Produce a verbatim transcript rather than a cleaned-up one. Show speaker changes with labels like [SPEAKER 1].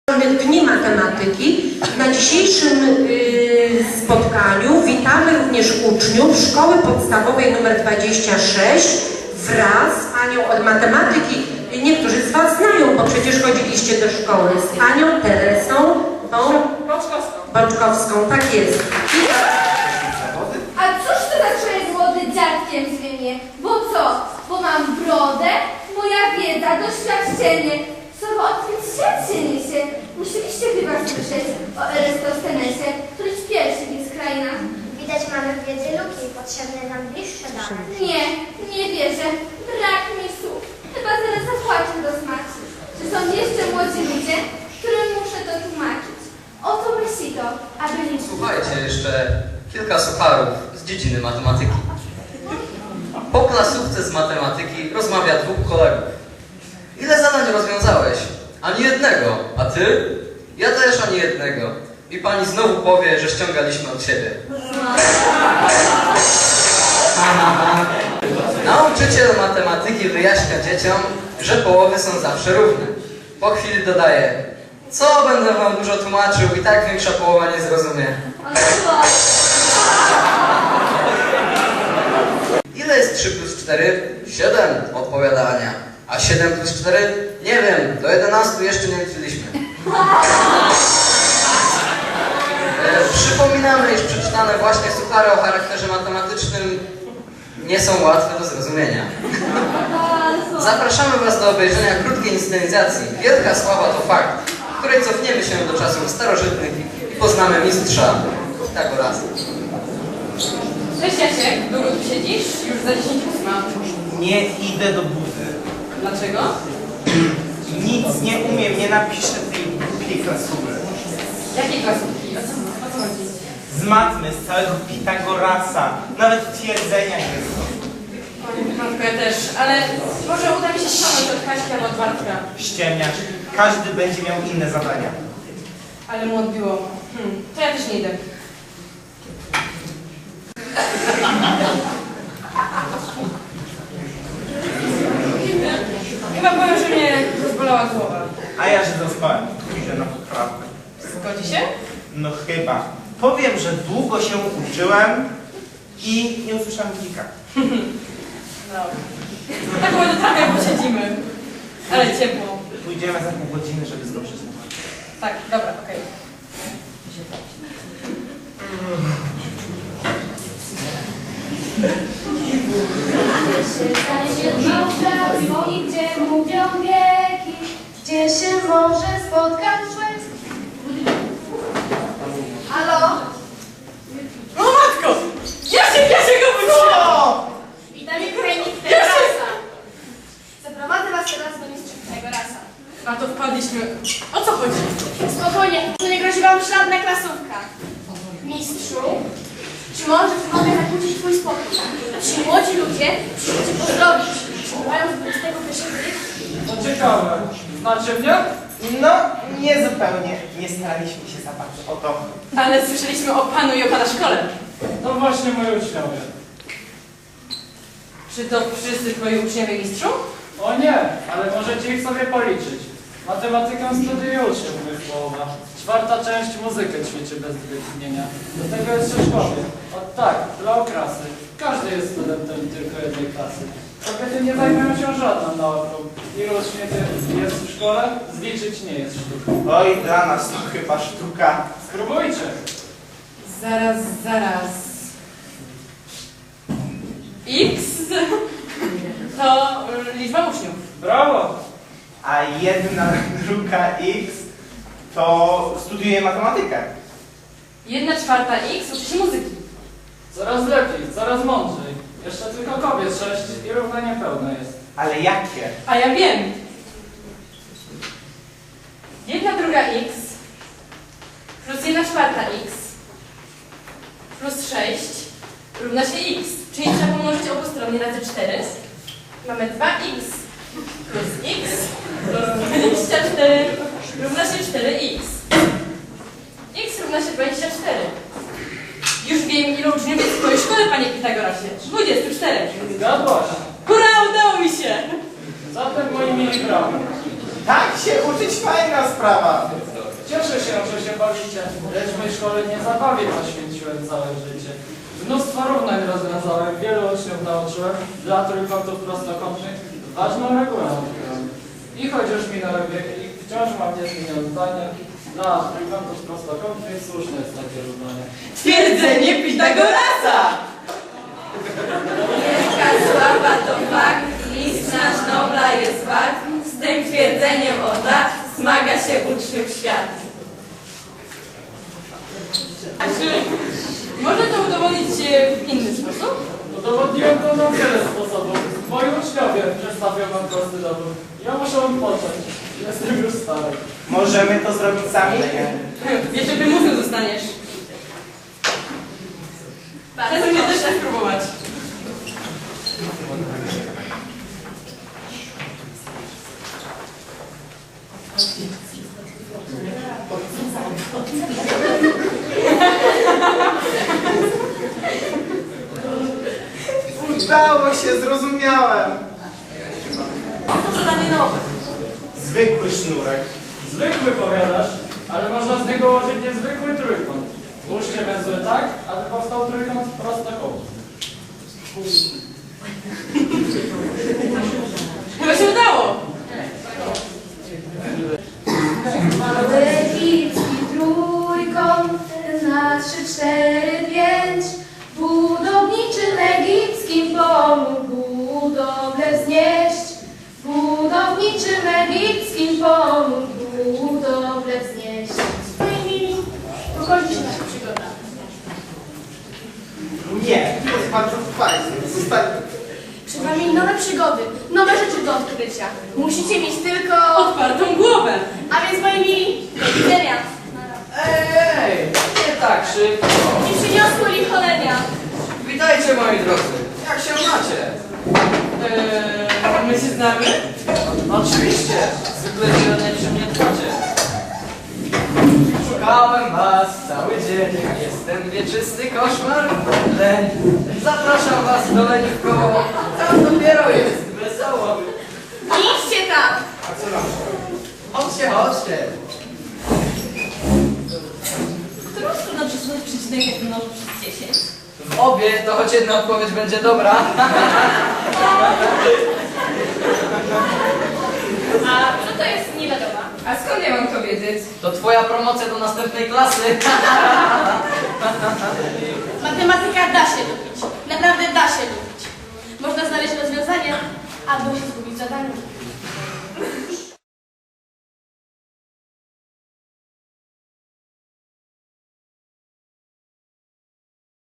[SPEAKER 1] Dni Matematyki. Na dzisiejszym y, spotkaniu witamy również uczniów Szkoły Podstawowej nr dwadzieścia sześć wraz z panią od matematyki. Niektórzy z was znają, bo przecież chodziliście do szkoły, z panią Teresą
[SPEAKER 2] Boczkowską.
[SPEAKER 1] Boczkowską, tak jest.
[SPEAKER 3] A cóż to za człowiek młody dziadkiem zwie mnie? Bo co? Bo mam brodę, moja wiedza, doświadczenie. Słowo odkryć świat się niesie. Musieliście chyba słyszeć o Eratosthenesie, który pierwszy w ich krainach.
[SPEAKER 4] Widać, mamy w wiedzy luki, potrzebne nam bliższe dane.
[SPEAKER 3] Nie, nie wierzę. Brak mi słów. Chyba zaraz zapłaczę do smaku. Czy są jeszcze młodzi ludzie, którym muszę to tłumaczyć? Oto myśli to, aby liczyć.
[SPEAKER 5] Słuchajcie, jeszcze kilka sucharów z dziedziny matematyki. Po klasówce z matematyki rozmawia dwóch kolegów. Ile zadań rozwiązałeś? Ani jednego. A ty? Ja też ani jednego. I pani znowu powie, że ściągaliśmy od siebie. Nauczyciel matematyki wyjaśnia dzieciom, że połowy są zawsze równe. Po chwili dodaje: co będę wam dużo tłumaczył, i tak większa połowa nie zrozumie. Ile jest trzy plus cztery? siedem, odpowiada Ania. A siedem plus cztery? Nie wiem, do jedenastu jeszcze nie liczyliśmy. E, przypominamy, iż przeczytane właśnie suchary o charakterze matematycznym nie są łatwe do zrozumienia. Zapraszamy was do obejrzenia krótkiej inscenizacji Wielka Sława to fakt, w której cofniemy się do czasów starożytnych i poznamy mistrza Pitagorasa.
[SPEAKER 2] Cześć Jasiek, długo tu siedzisz? Już za dziesięć ósma.
[SPEAKER 6] Nie idę do budy.
[SPEAKER 2] Dlaczego?
[SPEAKER 6] Nic nie umiem, nie napiszę tej głupiej klasówki.
[SPEAKER 2] Jakiej klasówki? O co, o co chodzi?
[SPEAKER 6] Z matmy, z całego Pitagorasa. Nawet twierdzenia nie są.
[SPEAKER 2] Oj, matko, ja też, ale może uda mi się ściągnąć od Kaśki albo od Bartka.
[SPEAKER 6] Ściemniasz. Każdy będzie miał inne zadania.
[SPEAKER 2] Ale mu odbiło. Hmm, to ja też nie idę. Chyba powiem, że mnie rozbolała głowa.
[SPEAKER 6] A ja się zaspałem. Idę na poprawkę.
[SPEAKER 2] Zgodzi się?
[SPEAKER 6] No chyba. Powiem, że długo się uczyłem i nie usłyszałem dzika.
[SPEAKER 2] No. Tak może trochę posiedzimy. Ale ciepło.
[SPEAKER 6] Pójdziemy za pół godziny, żeby zdążyć.
[SPEAKER 2] Tak, dobra, okej.
[SPEAKER 3] Gdzie się znajdzie małża, i gdzie mówią wieki, gdzie się może spotkać człowiek. Halo?
[SPEAKER 2] O matko! Jasiek, Jasiek go wróciła!
[SPEAKER 3] Witamy krajnik Pitagorasa. Zaprowadzę was teraz do mistrza Pitagorasa.
[SPEAKER 2] A to wpadliśmy. O co chodzi?
[SPEAKER 3] Spokojnie, to nie grozi wam żadna klasówka. Mistrzu, czy może mogę zakłócić twój spokój? Ci młodzi ludzie przyjdą cię pozdrowić. Mają dwudziestego pierwszego wieku.
[SPEAKER 7] To ciekawe. Znacie mnie?
[SPEAKER 6] No, nie zupełnie. Nie staraliśmy się za bardzo o to.
[SPEAKER 2] Ale słyszeliśmy o panu i o pana szkole.
[SPEAKER 7] To właśnie moi uczniowie.
[SPEAKER 2] Czy to wszyscy twoi uczniowie, mistrzu?
[SPEAKER 7] O nie, ale możecie ich sobie policzyć. Matematykę studiuje uczniów moich połowa. Czwarta część muzykę ćwiczy bez wytchnienia. Do tego jest szkoły. O tak, dla okrasy. Każdy jest studentem tylko jednej klasy. Kobiety nie zajmują się żadną nauką. Ilu uczniów jest w szkole? Zliczyć nie jest sztuką.
[SPEAKER 6] Oj, dla nas to chyba sztuka.
[SPEAKER 7] Spróbujcie.
[SPEAKER 2] Zaraz, zaraz. X to liczba uczniów.
[SPEAKER 7] Brawo!
[SPEAKER 6] A jedna druga x to studiuje matematykę.
[SPEAKER 2] Jedna czwarta X uczy się muzyki.
[SPEAKER 7] Coraz lepiej, coraz mądrzej. Jeszcze tylko kobiet sześć i równo niepełne jest.
[SPEAKER 6] Ale jakie?
[SPEAKER 2] A ja wiem. Jedna druga X plus jedna czwarta X plus sześć równa się X. Czyli trzeba pomnożyć obustronnie razy cztery. Mamy dwa X plus X plus dwadzieścia cztery równa się cztery X. X równa się dwadzieścia cztery. Już wiem, ilu uczniów jest w twojej szkole, panie Pitagorasie. dwadzieścia cztery.
[SPEAKER 7] Zgadłaś.
[SPEAKER 2] Hurra, udało mi się!
[SPEAKER 7] Zatem moi mili brawo.
[SPEAKER 6] Tak się uczyć, fajna sprawa.
[SPEAKER 7] Cieszę się, że się bawicie, lecz mojej szkole nie zabawie poświęciłem całe życie. Mnóstwo równań rozwiązałem, wielu uczniów nauczyłem, dla trójkątów prostokątnych ważną regułę odkryłem. I choć już minęły wieki, wciąż mam niezmienione zdanie, dla trójkątów prostokątnych słuszne jest takie równanie.
[SPEAKER 2] Twierdzenie Pitagorasa!
[SPEAKER 3] Wielka sława to fakt, list nasz Nobla jest wart. Z tym twierdzeniem od lat zmaga się uczniów świat.
[SPEAKER 2] A czy można to udowodnić e, w inny sposób?
[SPEAKER 7] Udowodniłem to na wiele sposobów. Moi uczniowie przedstawią wam prosty dowód. Ja muszę odpocząć. Jestem już stary.
[SPEAKER 6] Możemy to zrobić sami?
[SPEAKER 2] Jeszcze prymusem zostaniesz. Bardzo mnie też tak próbować.
[SPEAKER 6] Udało się, zrozumiałem.
[SPEAKER 2] To zadanie nowe.
[SPEAKER 6] Zwykły sznurek.
[SPEAKER 7] Zwykły powiadasz, ale można z niego ułożyć niezwykły trójkąt. Ułóżcie węzły tak, aby powstał trójkąt prostokątny.
[SPEAKER 2] Chyba się udało.
[SPEAKER 3] Egipski trójkąt na trzy, cztery, pięć. Budowniczym egipskim pomógł budowlę wznieść. Budowniczym egipskim pomógł budowlę wznieść.
[SPEAKER 4] Moi mili, pokończy się nasza przygoda.
[SPEAKER 6] Nie, to jest bardzo fajne. Zostań.
[SPEAKER 4] Przed wami nowe przygody, nowe rzeczy do odkrycia. Musicie mieć tylko...
[SPEAKER 2] Otwartą głowę.
[SPEAKER 4] A więc moi mili, do widzenia.
[SPEAKER 5] Ej, nie tak szybko.
[SPEAKER 4] I przyniosło licholenia.
[SPEAKER 5] Witajcie moi drodzy. Jak się macie?
[SPEAKER 2] Eee, my się znamy?
[SPEAKER 5] Oczywiście. Zwykle wiele przy mnie dbacie. Szukałem was cały dzień. Jestem wieczysty koszmar. Leń. Zapraszam was do Leniwkowo. Tam dopiero jest wesoło.
[SPEAKER 4] Idźcie tam.
[SPEAKER 6] A co nam?
[SPEAKER 5] Chodźcie, chodźcie.
[SPEAKER 2] Którą stronę przesunąć przecinek jak mnoży przez dziesięć?
[SPEAKER 5] W obie to choć jedna odpowiedź będzie dobra.
[SPEAKER 4] A co to jest nie wiadomo?
[SPEAKER 2] A skąd ja mam to wiedzieć?
[SPEAKER 5] To twoja promocja do następnej klasy.
[SPEAKER 4] Matematyka da się lubić. Naprawdę da się lubić. Można znaleźć rozwiązanie albo się zgubić w zadaniu.